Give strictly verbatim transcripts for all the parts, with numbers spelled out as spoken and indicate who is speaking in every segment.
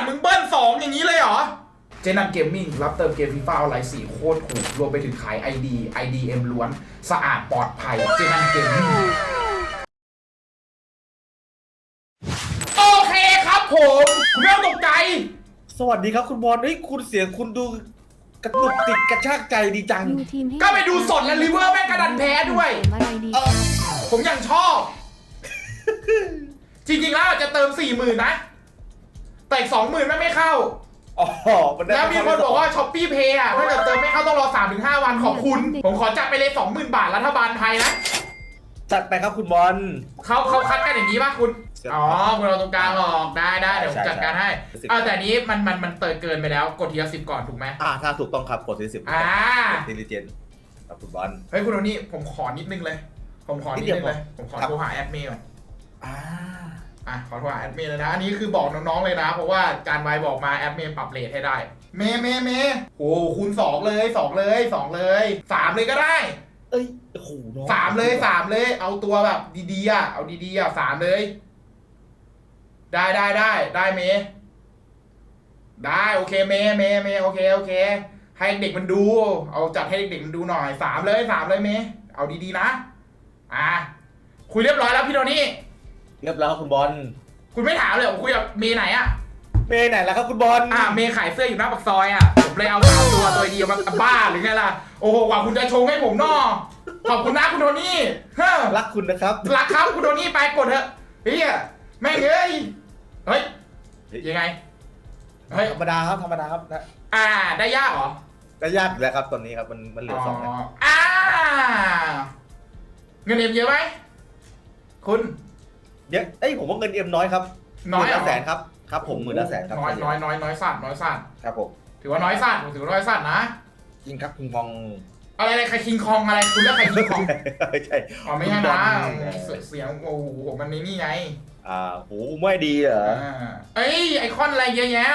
Speaker 1: มึงเบิ้ลสองอย่างนี้เลยเหรอเจนันเกมมิ่งรับเติมเกมฟีฟ่าออนไลน์สี่โคตรถูกรวมไปถึงขาย ไอ ดี ไอ ดี เอ็ม ล้วนสะอาดปลอดภัยเจนันเกมมิ่งโอเคครับผมคุณไม่ต้องตกใจ
Speaker 2: สวัสดีครับคุณบอลเฮ้ยคุณเสียงคุณดูกระตุกติดกระชากใจดีจัง
Speaker 1: ก็ไปดูสดแล้วลิเวอร์แม่งกระดันแพ้ด้วยผมยังชอบจริงๆแล้วจะเติมสี่หมื่นนะแต่อีกสองหมื่นไม่ไม่เข้า
Speaker 2: อ๋อ
Speaker 1: แล้วมีคนบอกว่าช้อปปี้เพย์อ่ะถ้าเกิดเติมไม่เข้าต้องรอ สามถึงห้า วันขอบคุณผมขอจัดไปเลย สองหมื่น บาทรัฐบาลไทยนะ
Speaker 2: จัดไปครับคุณบอล
Speaker 1: เขาเขาคัดกันอย่างนี้ป่ะคุณอ๋อคุณเราตรงกลางหรอกได้ได้เดี๋ยวผมจัดการให้อ่าแต่นี้มันมันมันเติมเกินไปแล้วกดทีละสิบก่อนถูกไหม
Speaker 2: อ่าถ้าถูกต้องครับกดทีละสิบ
Speaker 1: อ่า
Speaker 2: ทีละเจนครับคุณบอล
Speaker 1: เฮ้ยคุณโทนี่ผมขอนิดนึงเลยผมขอนิดนึงเลยผมขอโทรหาแอดมินก่อน
Speaker 2: อ่า
Speaker 1: อ่ะขอโทรหาแอดมินเลยนะอันนี้คือบอกน้องๆเลยนะเพราะว่าการไว้บอกมาแอดมินปรับเรทให้ได้เมเมเมโอ้คูณสองเลยสองเลยสองเลยสามเลยก็ได้
Speaker 2: เอ้ยโอ้โห
Speaker 1: สามเลยสามเลยเอาตัวแบบดีๆอ่ะเอาดีๆอ่ะสามเลยได้ได้ได้ได้เมได้โอเคเมเมเมโอเคโอเคให้เด็กมันดูเอาจัดให้เด็กมันดูหน่อยสามเลยสามเลยเมเอาดีๆนะอ่ะคุยเรียบร้อยแล้วพี่โทนี่
Speaker 2: เรียบร้อยคุณบอล
Speaker 1: คุณไม่ถามเลยผมคุยกับเมย์ไหนอะ
Speaker 2: เมย์ไหนแล้วครับคุณบอล
Speaker 1: อ่าเมย์ขายเสื้ออยู่หน้าปากซอยอะผมเลยเอาสามตัวตัวเดียวมาบ้าหรือไงล่ะโอ้โหว่าคุณจะชงให้ผมนอขอบคุณนะคุณโทนี่เฮ้อ
Speaker 2: รักคุณนะครับ
Speaker 1: รักครับคุณโทนี่ไปกดเถอะเฮ้ยแม่งเอ้ยเฮ้ยยังไง
Speaker 2: เฮ้ยธรรมดาครับธรรมดาครับนะ
Speaker 1: อ่าได้ยากเหรอ
Speaker 2: ได้ยากแล้วครับตอนนี้ครับมันมันเหลือสองแล้ว
Speaker 1: อ่าเงินเอ็มเยอะไหมคุณ
Speaker 2: เยอะเอ้ยผมว่าเงินเอ็มน้อยครับ
Speaker 1: น้อย
Speaker 2: แสนครับครับผมหมื่นละแสนครับ
Speaker 1: น้อยน้อยน้อยน้อยสั้นน้อยสั้น
Speaker 2: ครับผม
Speaker 1: ถือว่าน้อยสั้นผมถือว่าน้อยสั้นนะ
Speaker 2: จริงครับคิงคอง
Speaker 1: อะไรอะไรใครคิงคองอะไรคุณเรียกใครคิงคอง
Speaker 2: ไม่ใช่
Speaker 1: อ๋อไม่ใช่นะเสียงโอ้โหมันนี่นี่ไง
Speaker 2: อ่าหูไม่ดีเหรอ
Speaker 1: เอ้ยไอคอนอะไรเยอะแยะ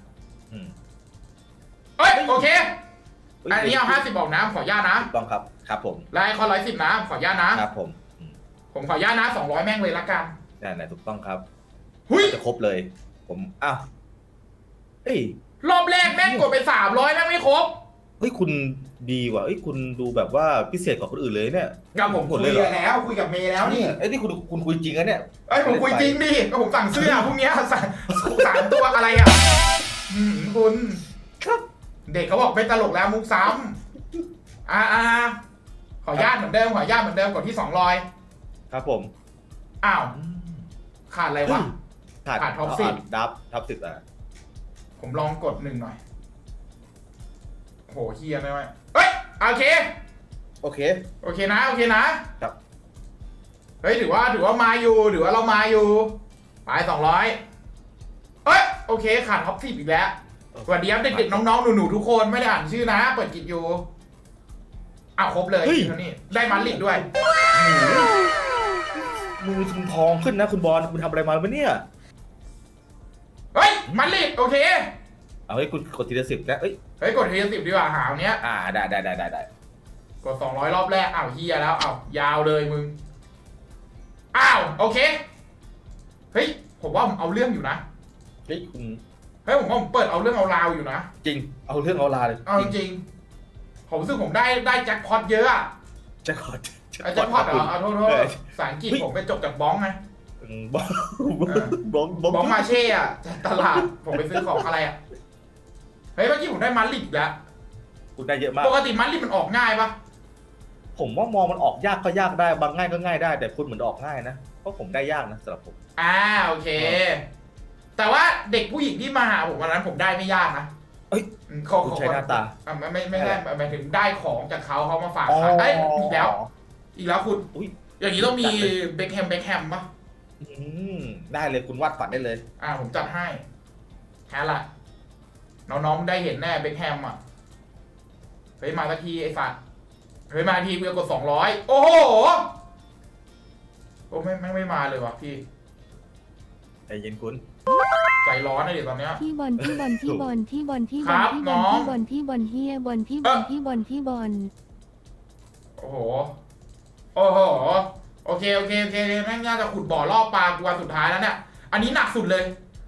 Speaker 1: เอ้ยโอเคอันนี้เอาห้าสิบบอกนะขออนุญาตนะ
Speaker 2: ต้องครับครับผม
Speaker 1: ไลน์คอนร้อยสิบนะขออนุญาตนะครับ
Speaker 2: ผม
Speaker 1: ผมขออนุญาตนะสองร้อยแม่งเลยละกัน
Speaker 2: นั่นแหละถูกต้องครับ
Speaker 1: หุ้ย
Speaker 2: จะครบเลยผมอ้าวเฮ้ย
Speaker 1: รอบแรกแม่งกดไปสามร้อยแม่งไม่ครบ
Speaker 2: เฮ้ยคุณดีว่ะเฮ้ยคุณดูแบบว่าพิเศษกว่าคนอื่นเลยเนี่ย
Speaker 1: กับผมคุยแล้วคุยกับเมย์แล้วนี่
Speaker 2: ไอ้นี่คุณคุณคุยจริงนะเนี่ย
Speaker 1: ไอ้ผมคุยจริงดิก็ผมสั่งเสื้อพวกนี้สั่งสามตัวอะไรอ่ะคุณ
Speaker 2: ครับ
Speaker 1: เด็กเขาบอกไม่ตลกแล้วมุกซ้ำอ่าอ่าขออนุญาตเหมือนเดิมขออนุญาตเหมือนเดิมกดที่สองร้อย
Speaker 2: ครับผม
Speaker 1: อ้าวขาดอะไรวะ
Speaker 2: ขาด
Speaker 1: ท็อปสิบ
Speaker 2: ดับท็อปสิบอ่ะ
Speaker 1: ผมลองกดหนึ่งหน่อยโหเฮียไม่ไหวเฮ้ยโอเค
Speaker 2: โอเค
Speaker 1: โอเคนะโอเคนะครับเฮ้ยถือว่าถือว่ามาอยู่ถือว่าเรามาอยู่ไปสองร้อยเฮ้ยโอเคขาดท็อปสิบอีกแล้วสวัสดีครับเด็กๆน้องๆหนูๆทุกคนไม่ได้อ่านชื่อนะเปิดกิจอยู่อ้าวครบเลยเท่านี้ได้มันลิดด้วย
Speaker 2: มือคุณทองขึ้นนะคุณบอลคุณทำอะไรมาปะเนี่ย
Speaker 1: เฮ้ยมันลิดโอเค
Speaker 2: เอาให้คุณกดทีละสิบแล้วเฮ้ย
Speaker 1: เฮ้ยกดทีละสิบดีกว่าหาวเนี้ย
Speaker 2: อ่าได้ได้ได้ได้ได้
Speaker 1: กดสองร้อยรอบแรกอ้าวเฮียแล้วอ้าวยาวเลยมึงอ้าวโอเคเฮ้ยผมว่าผมเอาเรื่องอยู่นะ
Speaker 2: เฮ้ยคุณ
Speaker 1: เฮ้ยผมว่าผมเปิดเอาเรื่องเอาราวอยู่นะ
Speaker 2: จริงเอาเรื่องเอาราวเลย
Speaker 1: เอาจริงผมรู้สึกผมได้ได้แจ็คพอตเยอะอะ
Speaker 2: แจ็คพอต
Speaker 1: แจ็คพอตเหรอเอาโทษโทษภาษาอังกฤษผมไปจบจากบ้องไง
Speaker 2: บ้องบ้อง
Speaker 1: บ้องมาเช่อะตลาดผมไปซื้อของอะไรอะเฮ้ยเมื่อกี้ผมได้มันลิดอีกแล้ว
Speaker 2: คุณได้เยอะมาก
Speaker 1: ปกติมันลิดมันออกง่ายปะ
Speaker 2: ผมว่ามองมันออกยากก็ยากได้บางง่ายก็ง่ายได้แต่คุณเหมือนออกง่ายนะเพราะผมได้ยากนะสำหรับผม
Speaker 1: อ่าโอเคแต่ว่าเด็กผู้หญิงที่มาหาผมวันนั้นผมได้ไม่ยากนะ
Speaker 2: เอ้ย
Speaker 1: เขา
Speaker 2: ใช้หน้าตา
Speaker 1: อ่าไม่ไม่ไม่ได้หมายถึงได้ของจากเขาเขามาฝากเอ้ยอีกแล้วอีกแล้วคุณอย่างนี้ต้องมีเบคแฮมเบคแฮมปะ
Speaker 2: อืมได้เลยคุณวาดฝันได้เลย
Speaker 1: อ่าผมจัดให้แค่ละน้องๆได้เห็นแน่เบคแฮมอ่ะเฮ้ยมาสักทีไอ้สัตว์เฮ้ยมาทีเพื่อกดสองร้อยโอ้โหโอ้ไม่ไม่ไม่มาเลยวะพี่
Speaker 2: ใจเย็นคุณ
Speaker 1: ใจร้อนเลยเดี๋ยวตอนเนี้ย
Speaker 3: ที่บอลที่บอลที่บอลที่บอลที่บอลที่บอลที่บอลที่บอลเฮียบอลที่บอลที่บอลที่บอล
Speaker 1: โอ้โหโอ้โหโอเคโอเคโอเคแม่งน่าจะขุดบ่อล่อปลากูวันสุดท้ายแล้วเนี่ยอันนี้หนักสุดเลยผ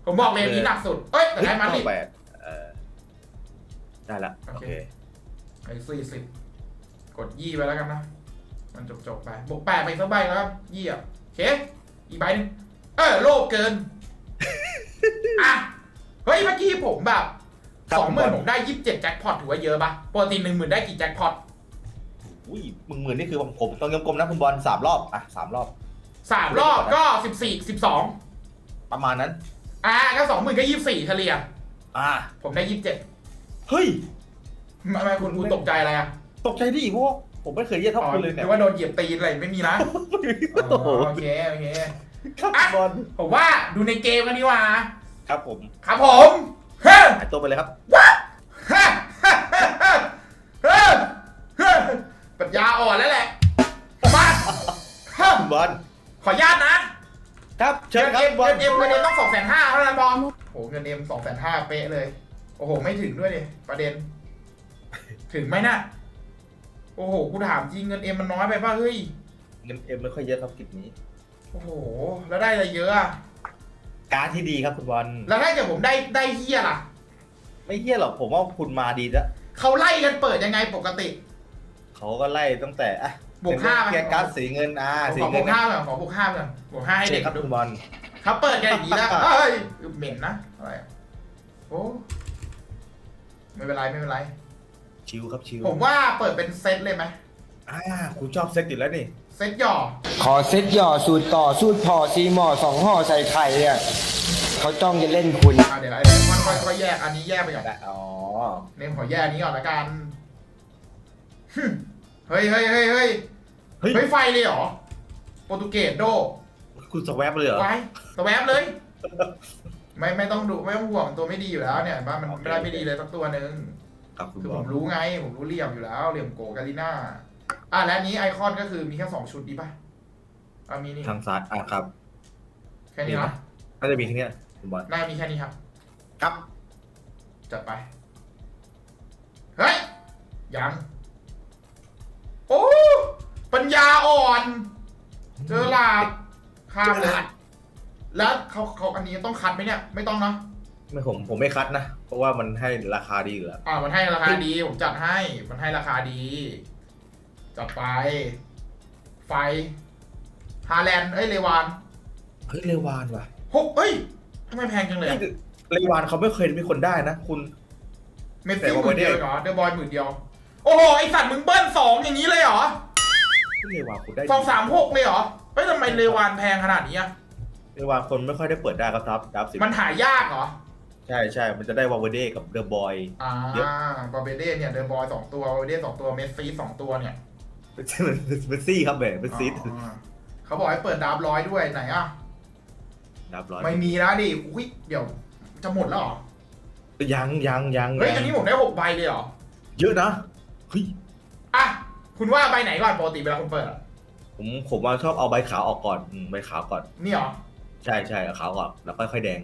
Speaker 1: ผมบอกเลนนี้หนักสุดเอ้ยแต่ได้มาดิ
Speaker 2: แปดเออได้ละโอเค
Speaker 1: ไอ้สี่สิบกดยี่ไปแล้วกันนะมันจบจบๆไปบวกแปดไปสักใบแล้วครับยี่อ่ะโอเคอีกใบหนึงเออโลภเกินอ่ะเฮ้ยเมื่อกี้ผมแบบสองหมื่นผมได้ยี่สิบเจ็ดแจ็คพอตถือว่าเยอะปะปกติหนึ่งหมื่นได้กี่แจ็คพอต
Speaker 2: อุ้ยมึงหมื่นนี่คือผมต้องกลมๆนะคุณบอลสามรอบอ่ะสามรอบ
Speaker 1: สามรอบก็สิบสี่สิบสอง
Speaker 2: ประมาณนั้น
Speaker 1: อ่าก็สองหมื่นก็ยี่สิบสี่เฉลี่ย
Speaker 2: อ่า
Speaker 1: ผมได้ยี่สิบเจ็ด
Speaker 2: เฮ้ย
Speaker 1: ทำไมคุณคุณตกใจอะไรอ่ะ
Speaker 2: ตกใจดิเพราะว่าผมไม่เคยเยี่ยเท่าคุณเลย
Speaker 1: ห
Speaker 2: เนี่ย
Speaker 1: รือว่าโดนเหยียบตีนอะไรไม่มีนะ
Speaker 2: โอ้โห
Speaker 1: โอเคโอเค
Speaker 2: ครับ
Speaker 1: อ่ะ
Speaker 2: บอล
Speaker 1: ผมว่าดูในเกมกันดีกว่า
Speaker 2: ครับผม
Speaker 1: ครับผมเฮ้ย
Speaker 2: หายตัวไปเลยครับ
Speaker 1: เฮ้ยเฮ้ยเฮ้ยปัญญาอ่อนแล้วแหละมาเฮ้ย
Speaker 2: คุณบอล
Speaker 1: ขออนุญาตนะครับ
Speaker 2: เชิญ
Speaker 1: เงิน
Speaker 2: ครับ
Speaker 1: เอ็ม
Speaker 2: บอล
Speaker 1: เงินเอ็มเงินเอ็มต้องสองแสนห้าเท่านั้นบอลโหเงินเอ็มสองแสนห้าเป๊ะเลย โอ้โหไม่ถึงด้วยดิประเด็น ถึงไหมน่ะโอ้โหกูถามจริงเงินเอ็มมันน้อยไปป่ะเฮ้ย
Speaker 2: เงินเอ็มไม่ค่อยเยอะครับกิจนี้
Speaker 1: โอ้โหแล้วได้อะไรเยอะอะ
Speaker 2: การดที่ดีครับคุณบอล
Speaker 1: แล้วถ้าเกิดผมได้ได้เฮียล่ะ
Speaker 2: ไม่เฮี้ยหรอกผมว่าคุณมาดีแล้ว
Speaker 1: เขาไล่กันเปิดยังไงปกติ
Speaker 2: เขาก็ไล่ตั้งแต่อ่ะ
Speaker 1: บวกห้า
Speaker 2: เกียร์การ์ดสีเงินอ่า
Speaker 1: ขอ
Speaker 2: สี
Speaker 1: ขอบ
Speaker 2: เงิ
Speaker 1: วน กห้าก่อนขอบวกห้าก่อนบวกห้าให้
Speaker 2: เช็
Speaker 1: เด็
Speaker 2: ค
Speaker 1: ก
Speaker 2: ครับ
Speaker 1: ดู
Speaker 2: คุณบอล
Speaker 1: เขาเปิดกันอย่างนี้แล้วเอ้ยเหม็นนะอะไรอะโอ้ไม่เป็นไรไม่เป็นไร
Speaker 2: ชิวครับชิว
Speaker 1: ผมว่าเปิดเป็นเซตเลยไหม
Speaker 2: อ่าคุณชอบเซ็ตอยู่แล้วนี่
Speaker 1: เซตหย่อ
Speaker 4: ขอเซ็ตหย่อสูตรต่อสูตรพอซีหมอสองห่อใส่ไข่เนี่ยเขาจ้องจะเล่นคุณ
Speaker 1: อ่ะเดี๋ยวไอ้เดี๋ยวมันค่อยๆแยกอันนี้แยกไปก่อน
Speaker 2: ได้อ๋อ
Speaker 1: เนี่ยขอแยกอันนี้ก่อนละกันฮึ่มเฮ้ยเฮ้ยเฮ้ยเฮ้ย
Speaker 2: เฮ้ย
Speaker 1: เฮ้ยไฟเลยเหรอโปรตุเกสโด
Speaker 2: คุณสแวบเลยเหรอ
Speaker 1: ไว้สแวบเลย ไม่ไม่ต้องดูไม่ต้องห่วงตัวไม่ดีอยู่แล้วเนี่ยบ้านมัน
Speaker 2: โอเค
Speaker 1: ไม่ได้ไม่ดีเลยสักตัวหนึ่ง
Speaker 2: ครับคุณ
Speaker 1: คือบ ผ
Speaker 2: อล
Speaker 1: มรู้ไงผมรู้เหลี่ยมอยู่แล้วเหลี่ยมโกกาลิน่าอ่ะและอันนี้ไอคอนก็คือมีแค่สองชุดดีป่ะอ่ะมีนี่
Speaker 2: ทางซ้ายอ่ะครับ
Speaker 1: แค่นี้นะ
Speaker 2: น่าจะมีแค่เนี้ยคุณบอล
Speaker 1: น่ามีแค่นี้ครับ
Speaker 2: ครับ
Speaker 1: จัดไปเฮ้ยยังโอ้ปัญญาอ่อน เจอหลาดข้ามเลยแล้วเขาเขาอันนี้ต้องคัดไหมเนี่ยไม่ต้องเนาะ
Speaker 2: ไม่ผมผมไม่คัดนะ เพราะว่ามันให้ราคาดีอยู่แล้ว
Speaker 1: อ่ามันให้ราคาดีผมจัดให้มันให้ราคาดี จัดไป ไฟฮาแลนด์เอ้ยเลวาน
Speaker 2: เฮ้ยเลวานว่ะ
Speaker 1: หกเอ้ยทำไมแพงจังเลยอะ
Speaker 2: เลวานเขาไม่เคยมีคนได้นะ คุณ
Speaker 1: เมส
Speaker 2: แต่
Speaker 1: ซี่
Speaker 2: ว่า
Speaker 1: หมื่นเดียว
Speaker 2: ไม่ได้
Speaker 1: เหรอเดอะบอยหมื่นเดียวโอ้โหไอสัตว์มึงเบิ้ลสองอย่างนี้เลยเหรอ
Speaker 2: เลวานคุณได้
Speaker 1: สองสามหกเลยเหรอเฮ้ยทำไมเลวานแพงขนาดนี้อะ
Speaker 2: เลวานคนไม่ค่อยได้เปิดได้ครับทับดับสิบ
Speaker 1: มันหายากเหรอ
Speaker 2: ใช่ใช่มันจะได้วาเวเดกับเดอะบอย
Speaker 1: อ่า
Speaker 2: เยอะ
Speaker 1: บาเบเด้เนี่ยเดอะบอยสองตัวบาเบเด้สองตัวเมสซี่สองตัวเนี่ย
Speaker 2: เป็นซี่ครับแหมเป็นซีด
Speaker 1: อ่าเขาบอกให้เปิดดาบร้อยด้วยไหนอ่ะ
Speaker 2: ดับร้อย
Speaker 1: ไม่มีแล้วดิอุ้ยเดี๋ยวจะหมดแล้วเหรอ
Speaker 2: ยังยังยัง
Speaker 1: เฮ้ยอันนี้ผมได้หกใบเลยเหรอ
Speaker 2: เยอะนะเฮ้ย
Speaker 1: อ่ะคุณว่าใบไหนก่อนปกติเวลาคุณเปิดอะ
Speaker 2: ผมผมว่าชอบเอาใบขาวออกก่อนอืมใบขาวก่อน
Speaker 1: นี่เหรอ
Speaker 2: ใช่ใช่เอาขาวก่อนแล้วค่อยๆแดง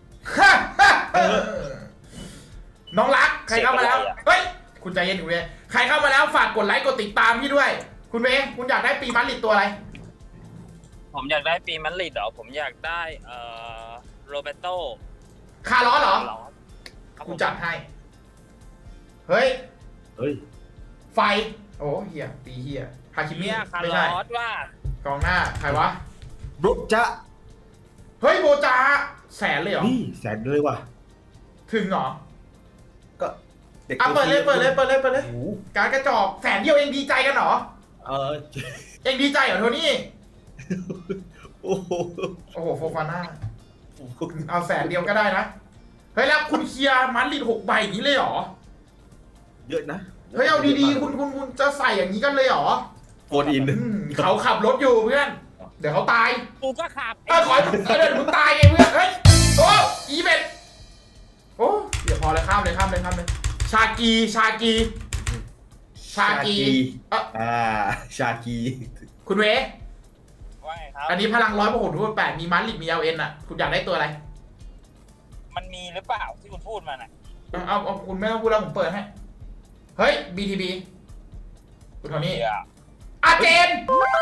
Speaker 1: น้องรักใครเข้ามาแล้วเฮ้ยคุณใจเย็นอยู่เลยใครเข้ามาแล้วฝากกดไลค์กดติดตามพี่ด้วย คุณเวย์คุณอยากได้ปีมันลิดตัวอะไร
Speaker 5: ผมอยากได้ปีมันลิดเหรอผมอยากได้เอ่อโรเบโต
Speaker 1: คาร์ลอสเหรอ
Speaker 5: ครับ
Speaker 1: กูจัดให้ เฮ้ย
Speaker 2: เฮ้ย
Speaker 1: ไฟ โอ้เฮียตีเฮียฮาคิมิ
Speaker 5: เนี่ยคาร์
Speaker 1: ไม่
Speaker 5: ล
Speaker 1: ใช่
Speaker 5: อสว่าก
Speaker 1: องหน้าใครวะ
Speaker 2: รุจะ
Speaker 1: เฮ้ยโบจาแสนเลยเหรอ
Speaker 2: นี่แสนเลยว่ะ
Speaker 1: ถึงเหรอ
Speaker 2: ก็เด็ก
Speaker 1: อ่ะเปิดเลยเปิดเลยเปิดเลยเปิดเลย
Speaker 2: โอ้โห
Speaker 1: การกระจอกแสนเดียวเองดีใจกันเหรอ
Speaker 2: เออ
Speaker 1: เองดีใจเหรอโทนี่
Speaker 2: โอ้โห
Speaker 1: โอ้โหโฟฟาน่าเอาแสนเดียวก็ได้นะ เฮ้ยแล้วคุณเคลียร์มันลิดหกใบอย่างนี้เลยเหรอ
Speaker 2: เยอะนะ
Speaker 1: เฮ้ยเอาดีๆคุณคุณคุณจะใส่อย่างนี้กันเลยเหรอ
Speaker 2: โฟนอิน
Speaker 1: อืมเขาขับรถอยู่เพื่อน เดี๋ยวเขาตาย
Speaker 5: กูก็ขับ
Speaker 1: เออขอให้มึงเออเดี๋ยวมึงตายไงเพื่อน เฮ้ย โอ้อีเบ็ดโอ้เดี๋ยวพอเลยข้ามเลยข้ามเลยข้ามเลย ชากีชากี ชากีเอ่ะ
Speaker 2: อ่าชากี
Speaker 1: คุณเว
Speaker 5: ว่าไงครับ
Speaker 1: อันนี้พลังร้อยพหลทุกแปดมีมันลิดมีเอลเอ็นอ่ะ คุณอยากได้ตัวอะไร
Speaker 5: มันมีหรือเปล่าที่คุณพูดมาน่ะ
Speaker 1: เอาเอาเอาคุณไม่ต้องพูดแล้วผมเปิดให้ เฮ้ย บี ที บี คุณโทนี่
Speaker 5: เดี๋ยว
Speaker 1: อาเจน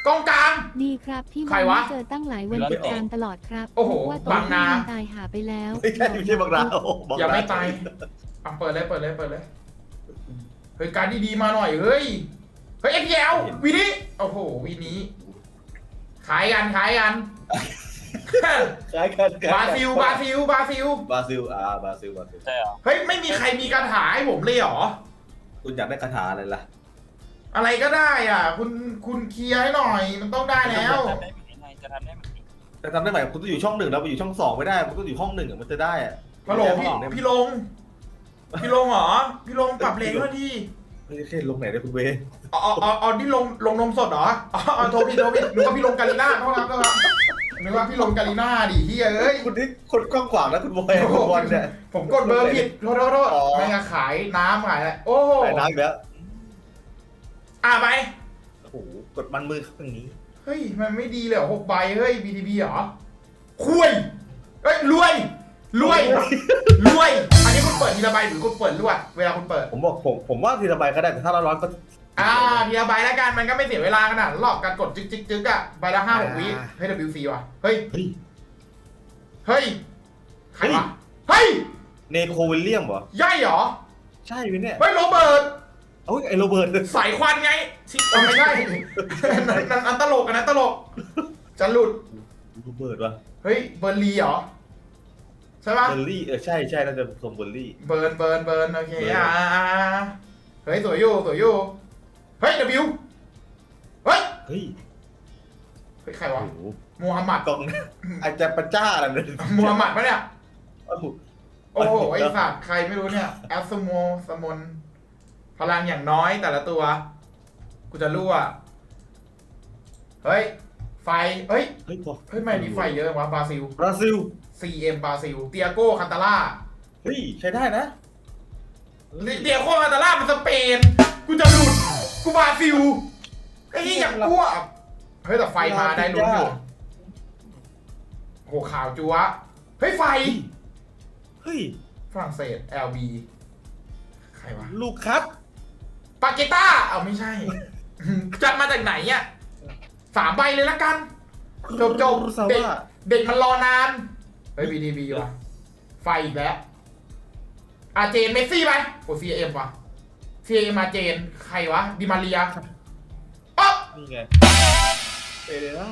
Speaker 1: กองกลาง
Speaker 3: ดีครับที่
Speaker 1: ใคร
Speaker 3: วัน
Speaker 1: วะ
Speaker 3: นี้เจอตั้งหลายวันติดตามตลอดครับ
Speaker 1: โอ้โห
Speaker 3: ว่าตัว
Speaker 1: บางนา
Speaker 3: ที่ตายหาไปแล้ว
Speaker 2: ไม่ใช่ไม่ใช่บางนาโอ้บางนา
Speaker 1: ยังไม่ตายอ่ะเปิดเลยเปิดเลยเปิดเลยเฮ้ยการดีๆมาหน่อยเฮ้ยเฮ้ยเอ็กแยววีนี้โอ้โหวีนี้ขายกันขายกัน
Speaker 2: คล้ายกัน
Speaker 1: บราซิลบราซิลบราซิล
Speaker 2: บราซิลอ่าบราซิลบราซิล
Speaker 5: ใช่เหรอ
Speaker 1: เฮ้ยไม่มีใครมีคาถาให้ผมเลยเหรอ
Speaker 2: คุณอยากได้คาถาอะไรล่ะ
Speaker 1: อะไรก็ได้อ่ะ คุณคุณเคลียร์ให้หน่อย มันต้องได้แล้ว
Speaker 5: จะทำได้ไหมไงจะทำได้ไหม
Speaker 2: แต่ทำได้ไหมคุณต้องอยู่ช่องหนึ่งแล้วไปอยู่ช่องสองไม่ได้คุณต้องอยู่ห้องหนึ่งอะมันจะได้อะ
Speaker 1: ฮัลโหลพี่
Speaker 2: ไม่ได้
Speaker 1: พี่ลง พี่ลงเหรอ พี่ลงปรับเลนด้วยที่
Speaker 2: ไม่ใช่ลงไหนได้คุณเวย์
Speaker 1: อ๋ออ๋ออ๋ออ๋อนี่ลงลงนมสดเหรออ๋ออ๋อโทรพี่โทรพี่นึกว่าพี่ลงกาลิน่าเท่านั้นก็ครับนึกว่าพี่ลงกาลิน่าดิเฮียเอ้ย
Speaker 2: คุณนี่คนกว้างขวางนะคุณบอยคุณบอลเนี่ย
Speaker 1: ผมกดเบอร์ผิดโทษโทษโทษ
Speaker 2: อ๋อ
Speaker 1: ไม่งั้นขายน้ำขายอะไรโอ้โห
Speaker 2: ไหนน้ำอีกแล้ว
Speaker 1: อ่ะไป
Speaker 2: โอ้โหกดมันมือเขาอย่างนี้
Speaker 1: เฮ้ยมันไม่ดีเลยเหรอหกใบเฮ้ย บี ที บี เหรอคุยเฮ้ยรวยรวยรวย อันนี้คุณเปิดทีละใบหรือคุณเปิดรวดเวลาคุณเปิด
Speaker 2: ผมบอกผมผมว่าทีละใบก็ได้แต่ถ้าเราร้อนก็
Speaker 1: อ่าทีละใบแล้วกันมันก็ไม่เสียเวลาขนาดหลอกการกดจึ๊กจึ๊กจึ๊กอะใบละห้าหกวิเฮ้ย ดับเบิลยู ซี ว่ะเฮ้ย
Speaker 2: เฮ้ย
Speaker 1: เฮ้ยใครวะเฮ้ย
Speaker 2: เนโควิลเลียมเหรอ
Speaker 1: ย่อยเหรอ
Speaker 2: ใช่ไหมเนี่ย
Speaker 1: เฮ้ยโรเบิร์ต
Speaker 2: เอ้ยไอโรเบิร์ต
Speaker 1: สายควันไงชิเอาไม่ใช่ นั่นนั่นอันตลกอันนั้นตลกจะหลุด
Speaker 2: โรเบิร์ตวะ
Speaker 1: เฮ้ยเบอร์ลีเหรอใช่ปะ
Speaker 2: เบอร์รี่เออใช่ใช่น่าจะทรงเบอร์รี่
Speaker 1: เบิร์นเบิร์นเบิร์นโอเค
Speaker 2: เบิร์น
Speaker 1: อ่าอ่าอ่าเฮ้ยสวยอยู่สวยอยู่เฮ้ย W เฮ้ย
Speaker 2: เฮ้ย
Speaker 1: เฮ้ยใคร
Speaker 2: โอ้
Speaker 1: วะ
Speaker 2: โห
Speaker 1: มูฮัมหมัด
Speaker 2: กองอาจจะประจ้าอะไรเนี่ย
Speaker 1: มูฮัมหมัดปะเนี่ย
Speaker 2: โอ้โห
Speaker 1: โอ้โหไอสัตว์ใครไม่รู้เนี่ยแอสโมสมนพลังอย่างน้อยแต่ละตัว กูจะรั่วเฮ้ย ไฟเฮ้ย
Speaker 2: เฮ้ยพอ
Speaker 1: เฮ้ยไม่มีไฟเยอะวะบราซิล
Speaker 2: บราซิล
Speaker 1: ซี เอ็ม บราซิล เตียโก้คันตาล่า
Speaker 2: เฮ้ยใช้ได้นะ
Speaker 1: เตียโก้คันตาล่ามันสเปน กูจะหลุด กูบราซิลไอ้ยอย่างกลัวเฮ้ยแต่ไฟมาได้ลุ้นอยู่โหข่าวจัวเฮ้ยไฟ
Speaker 2: เฮ้ย
Speaker 1: ฝรั่งเศส แอล บี ใครวะ
Speaker 2: ลูกคัส
Speaker 1: ปาเกต้า เอาไม่ใช่ จัดมาจากไหนอ่ะสามใบเลยละกัน จบจบ
Speaker 2: ซา
Speaker 1: เด็ก
Speaker 2: ว่า
Speaker 1: เด็กมันรอนาน เฮ้ย บี ที บี ว่ะ ไฟอีกแล้วอาเจนเมสซี่ไปโอ้ ซี เอ็ม ว่ะ ซี เอ็ม มาเจน ใครวะ ดิมาเรียอ๊ะ
Speaker 2: นี่ไงเอเดล่า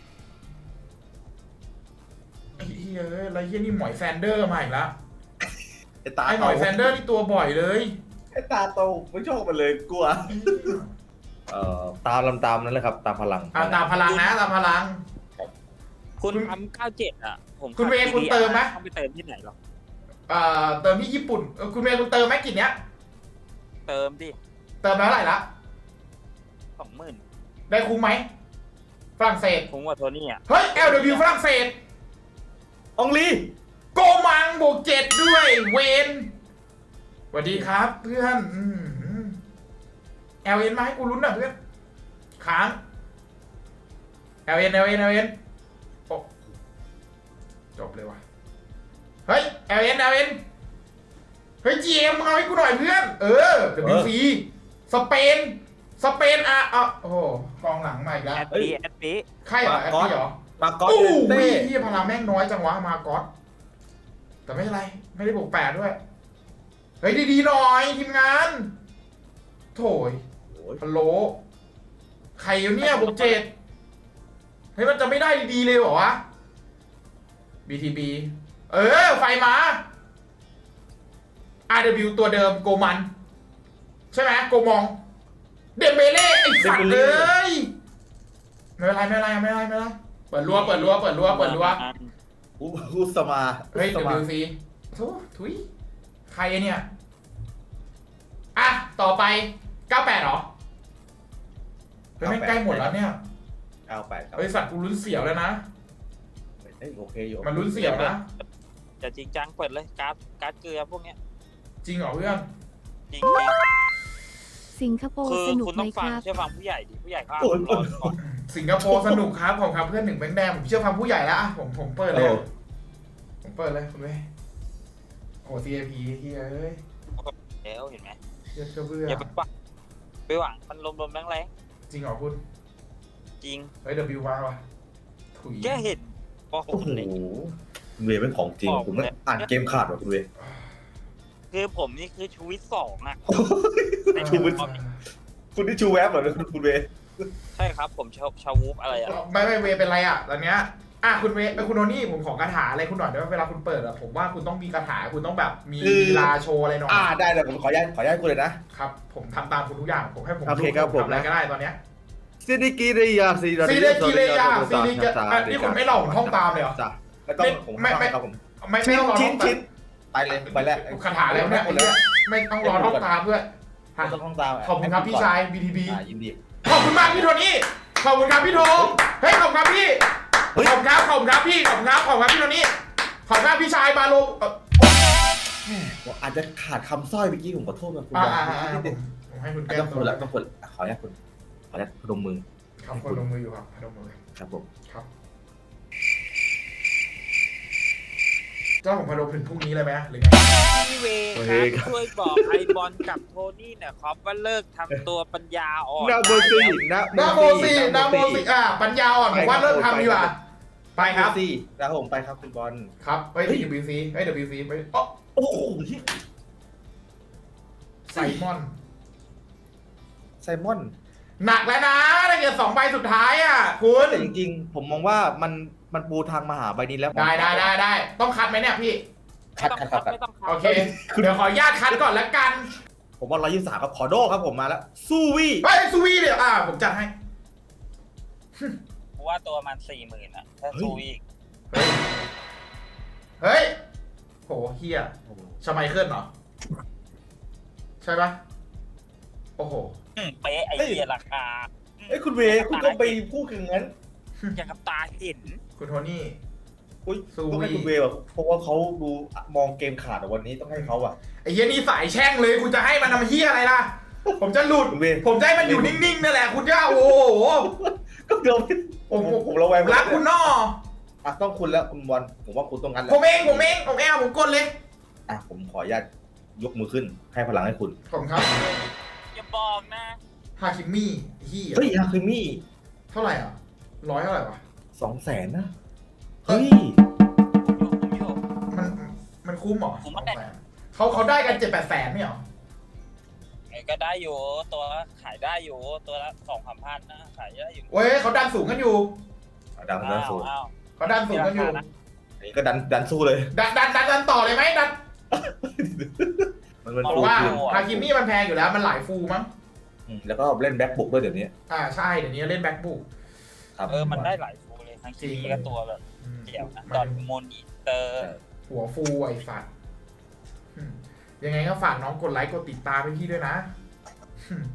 Speaker 1: ไอ้เหี้ยเอ้ยอะไรเหี้ยนี่หมอยแซนเดอร์มาอีกแล้ว
Speaker 2: ไอตา
Speaker 1: ไอ้หมอยแซนเดอร์นี่ตัวบ่อยเลย
Speaker 2: ไอตาโตไม่ชอบมันเลยกลัวเอ่อตามลำตามนั้นเลยครับตามพลัง
Speaker 1: อ่าตามพลังนะตามพลัง
Speaker 5: คุณทำเก้าเจ็ดอ่ะ ผม
Speaker 1: คุณเวย์คุณเติมไหม
Speaker 5: ต้องไปเติมที่ไหนหรอ
Speaker 1: เอ่อเติมที่ญี่ปุ่นเออคุณเมย์คุณเติมไหมกินเนี้ย
Speaker 5: เติมดิ
Speaker 1: เติมไปเท่าไหร่ละ
Speaker 5: สองหมื่น
Speaker 1: ได้คุ้มไหมฝรั่งเศส
Speaker 5: คุ้มกว่าโทนี่อ่ะ
Speaker 1: เฮ้ย แอล ดับเบิลยู ฝรั่งเศส
Speaker 2: องลี
Speaker 1: โกมังบวกเจ็ดด้วยเวนสวัสดีครับเพื่อนแอลเอ็นมาให้กูลุ้นหน่อยเพื่อนค้างแอลเอ็นแอลเอ็นแอลเอ็นโอ้จบเลยว่ะเฮ้ยแอลเอ็นแอลเอ็นเฮ้ย จี เอ็ม เอาให้กูหน่อยเพื่อน เออ ดับเบิลยู ซี สเปนสเปนอ่ะอ่ะโอ้โหกองหลังมาอีกแล้ว
Speaker 5: แอดปีแอดปี
Speaker 1: ใครเหรอแอดดี้เหรอ
Speaker 2: มากอส
Speaker 1: โอ้
Speaker 2: เต้
Speaker 1: ยที่พลังแม่งน้อยจังวะมาก๊อตแต่ไม่เป็นไร ไม่ได้บวกแปดด้วย เฮ้ยดีๆหน่อยทีมงาน โถย
Speaker 2: โอ้ย
Speaker 1: ฮัลโหลใครอยู่เนี่ยบวกเจ็ดเฮ้ยมันจะไม่ได้ดีๆเลยเหรอวะ บี ที บี เออ ไฟมา อาร์ ดับเบิลยู ตัวเดิมโกมัน ใช่ไหมโกมอง เดมเบเล่ไอ้สัตว์เลยไม่เป็นไรไม่เป็นไรไม่เป็นไรไม่เป็นไรเปิดรั้วเปิดรั้วเปิดรั้วเปิดรั้ว
Speaker 2: อุอุสมา
Speaker 1: เฮ้ย
Speaker 2: อุสมา
Speaker 1: ดับเบิลยู ซี โถ่ทุยใครเนี่ย อ่ะ ต่อไป เก้าแปดเหรอเฮ้ยแม่งใกล้หมดแล้วเนี่ย
Speaker 2: เก้าแปดครับ
Speaker 1: บริษัทกูลุ้นเสียวแล้วนะ
Speaker 2: เอ้ยโอเคอยู่
Speaker 1: มันลุ้นเสียวนะ
Speaker 5: จะจริงจังเปิดเลยการ์ดการ์ดเกลือพวกเนี้ย
Speaker 1: จริงเหรอเพื่อน
Speaker 5: จริง
Speaker 3: สิงคโป
Speaker 5: ๆ
Speaker 3: ร์
Speaker 5: คือ
Speaker 3: สนุก
Speaker 5: คุณ
Speaker 3: ไหม
Speaker 5: ต้อง
Speaker 3: ค
Speaker 5: ฟัง
Speaker 3: รับ
Speaker 5: เชื่อฟังผู้ใหญ่ดิผู้ใหญ่เขาอ่าน
Speaker 2: โอ้ย
Speaker 5: รอก่อน
Speaker 1: สิงคโปร์สนุกครับของครับเพื่อนหนึ่งแบงค์แดงผมเชื่อฟังผู้ใหญ่แล้วอ่ะผมผมเปิดเลย
Speaker 2: โอ้
Speaker 1: ผมเปิดเลยคุณเว้ยโอ้ ซี เอ พี เฮ้ยเอ้ย
Speaker 5: แล้วเห็นไหม
Speaker 1: เหี้ยเชื่อเบื่อ
Speaker 5: อย่าไปหวังไปหวังมันลมๆแรง
Speaker 1: จริงเหรอคุณ
Speaker 5: จริง
Speaker 1: เฮ้ยเดบิวมาว่ะถุย
Speaker 5: แค่เห็นพอผ
Speaker 2: โอ้
Speaker 5: ม
Speaker 2: โห
Speaker 5: เลย
Speaker 2: คุณเวย์เป็นของจริง
Speaker 5: บอก
Speaker 2: ผมไม่
Speaker 5: เลย
Speaker 2: อ่านเกมขาดว่ะคุณเวย์
Speaker 5: คือผมนี่คือชูวิตสองอ่ะ ใน
Speaker 2: ชูวิต
Speaker 5: คอม
Speaker 2: คุณที่ชูแวบเหรอคุณคุณเวย์
Speaker 5: ใช่ครับผมชาวชาววูฟอะไรอ่ะ
Speaker 1: ไม่ไม่เวเป็นไรอ่ะตอนเนี้ยอ่ะคุณเวเอ้ยคุณโทนี่ผมขอคาถาอะไรคุณหน่อยได้ไหมเวลาคุณเปิดอ่ะผมว่าคุณต้องมีคาถาคุณต้องแบบมีลีลาโชว์อะไรหน่อย
Speaker 2: อ่าได้เลยผมขออนุญาตขออนุญาตคุณเลยนะครับ
Speaker 1: ผมทำตามคุณทุกอย่างผมให้ผม
Speaker 2: โอเคครับผม
Speaker 1: ทำอะไรก็ได้ตอนเนี้ย
Speaker 2: ซิดิกิริยาซี
Speaker 1: ซีเรกิเรยาซีเรกิอ่ะนี่คุณไม่หลอกผมท่องตามเลยเหรอ
Speaker 2: จ้ะไม่ต้องผม
Speaker 1: ไม่ไม่
Speaker 2: ครับผม
Speaker 1: ไม่ไม่ต้องรอ
Speaker 2: ชิ้
Speaker 1: ท่
Speaker 2: น
Speaker 1: องตา
Speaker 2: ชิ้
Speaker 1: ม
Speaker 2: นไปเลยไปแล้ว
Speaker 1: คาถาอะไรเนี่ยไอ้เหี้ยไม่ต้องรอท่องตามด้วย
Speaker 2: ไม่ต้องท่องตาม
Speaker 1: ขอบคุณครับพี่ชาย บี ที บี
Speaker 2: อ่ายินดี
Speaker 1: ขอบคุณมากพี่โทนี่ ขอบคุณครับพี่โทมเฮ้ยขอบคุณครับพี่
Speaker 2: เฮ้ย
Speaker 1: ขอบคุณครับขอบคุณครับพี่ ขอบคุณครับขอบคุณครับพี่โทนี่ ขอบคุณครับพี่ชายบาโลเอ่อ
Speaker 2: ผมอาจจะขาดคำสร้อยเมื่อกี้ผมขอโทษนะคุณ
Speaker 1: อ่า
Speaker 2: บอล
Speaker 1: อ่าอ่าอ่าผมผมให้คุณแก้
Speaker 2: ต้อง
Speaker 1: ตั
Speaker 2: ค
Speaker 1: วน
Speaker 2: ละต้องคนอ่ะขออนุญาตคุณขออนุญาตพนมมือ
Speaker 1: ครับคนลงมืออยู่ครับพนมมือ
Speaker 2: ครับผม
Speaker 1: ครับเจ้าผมพนมถึงพรุ่งนี้เลยไหมหรือไง
Speaker 5: พี่เวครับช่วยบอกไอบอลกับโทนี่หนะครับว่าเลิกทำตัวปัญญาอ่อน
Speaker 2: นาโมซีนะ
Speaker 1: นาโมซีนาโมซีอ่าปัญญาอ่อนผมว่าเริ่มทำดีกว่าไปครับ
Speaker 2: ซีนะครับผมไปครับคุณบอล
Speaker 1: ครับเฮ้ย ดับเบิลยู ซี เฮ้ย ดับเบิลยู ซี ไปอ๋อ
Speaker 2: โอ้โห
Speaker 1: ไซมอน
Speaker 2: ไซมอน
Speaker 1: หนักแล้วนะได้เงินสองใบสุดท้ายอ่ะคุณ
Speaker 2: แต่จริงๆ ผมมองว่ามันมันปูทางมาหาใบนี้แล้ว
Speaker 1: ได้ได้ได้ได้ต้องคัดไหมเนี่ยพี่
Speaker 2: คัดคัดคัดคัด
Speaker 5: ไม่ต้องคัด
Speaker 1: โอเค เดี๋ยวขออนุญาตคัดก่อนแล้วกัน
Speaker 2: ผมว่าร้อยยี่สิบสามครับขอโดครับผมมาแล้วสู้วี่
Speaker 1: เฮ้ยซูวีเดี๋ยวอ่าผมจัดให้
Speaker 5: เพราะว่าตัวมันสี่หมื่นอ่ะถ้าซูอีก
Speaker 1: เฮ้ย เฮ้ย โหเฮียชไมเคิลเหรอ ใช่ปะโอ้โห
Speaker 5: อืมเป๊ะไอเดียราคา
Speaker 2: เอ้ยคุณเวย์คุณก็ไปพูดอย่างนั้น
Speaker 5: อย่างกับตาเห็น
Speaker 1: คุณโทนี่
Speaker 2: อุ้ย
Speaker 1: สู้
Speaker 2: ต้องให้
Speaker 1: วี่
Speaker 2: คุณเวย์แบบเพราะว่าเขาดูมองเกมขาดอะวันนี้ต้องให้เขาอะ
Speaker 1: ไอ้เฮียนี่สายแช่งเลยคุณจะให้มันทำเฮียอะไรล่ะ ผมจะหลุด
Speaker 2: คุณเวย์
Speaker 1: ผมจะให้มันอยู่นิ่งๆนั่นแหละคุณจะโอ้โห
Speaker 2: ก็เดี๋ยวผมผมผมระแวง
Speaker 1: รักคุณนอ
Speaker 2: อ่ะต้องคุณแล้วคุณบอลผมว่าคุณต้องงั้นแห
Speaker 1: ผ
Speaker 2: ละ
Speaker 1: มเองผมเองผมเองผมกดเลย
Speaker 2: อ่ะผมขออนุญาตยกมือขึ้นให้พลังให้คุณ
Speaker 1: ผมครับ
Speaker 5: อย่าบอกนะ
Speaker 1: ฮาคิมี่เฮีย
Speaker 2: เฮ้ยอาคิมี่
Speaker 1: เท่าไหร่อ่ะร้อยเท่าไหร่วะ
Speaker 2: สองแสนนะเฮ้ย
Speaker 5: อยู่ผมอยู่
Speaker 1: มันมันคุ้มเหรอ
Speaker 5: คุ้มมาก
Speaker 1: เขาเขาได้กันเจ็ดแปดแสนไม่เหรอ
Speaker 5: ไอ้ก็ได้อยู่ตัวละขายได้อยู่ตัวละสองสามพันนะขายได้อยู่
Speaker 1: เว้ยเขาดันสูงกันอยู่
Speaker 2: ดันดันสู้
Speaker 5: อ้าว
Speaker 1: เขาดันสูงกันอยู่
Speaker 2: อันนี้ก็ดันดันสู้เลย
Speaker 1: ดันดันดันดันต่อเลยไหมดัน
Speaker 2: มันเป็น
Speaker 1: เพ
Speaker 2: ฟู
Speaker 1: ราะว่า
Speaker 2: ขึ้น
Speaker 1: ฮาคิมี่มันแพงอยู่แล้วมันหลายฟูมั้ง
Speaker 2: อืมแล้วก็เล่นแบ็คบุกด้วยเดี๋ยวนี้
Speaker 1: อ่าใช่เดี๋ยวนี้เล่นแบ็คบุก
Speaker 2: ครับ
Speaker 5: เออมันได้หลายฟูเลยทั้งคีก็ตัวแบบเดี่ยวนะดอนโมนิเตอร์
Speaker 1: หัวฟูไอ้สัตว์อืมยังไงก็ฝากน้องกดไลค์กดติดตามให้พี่ด้วยนะ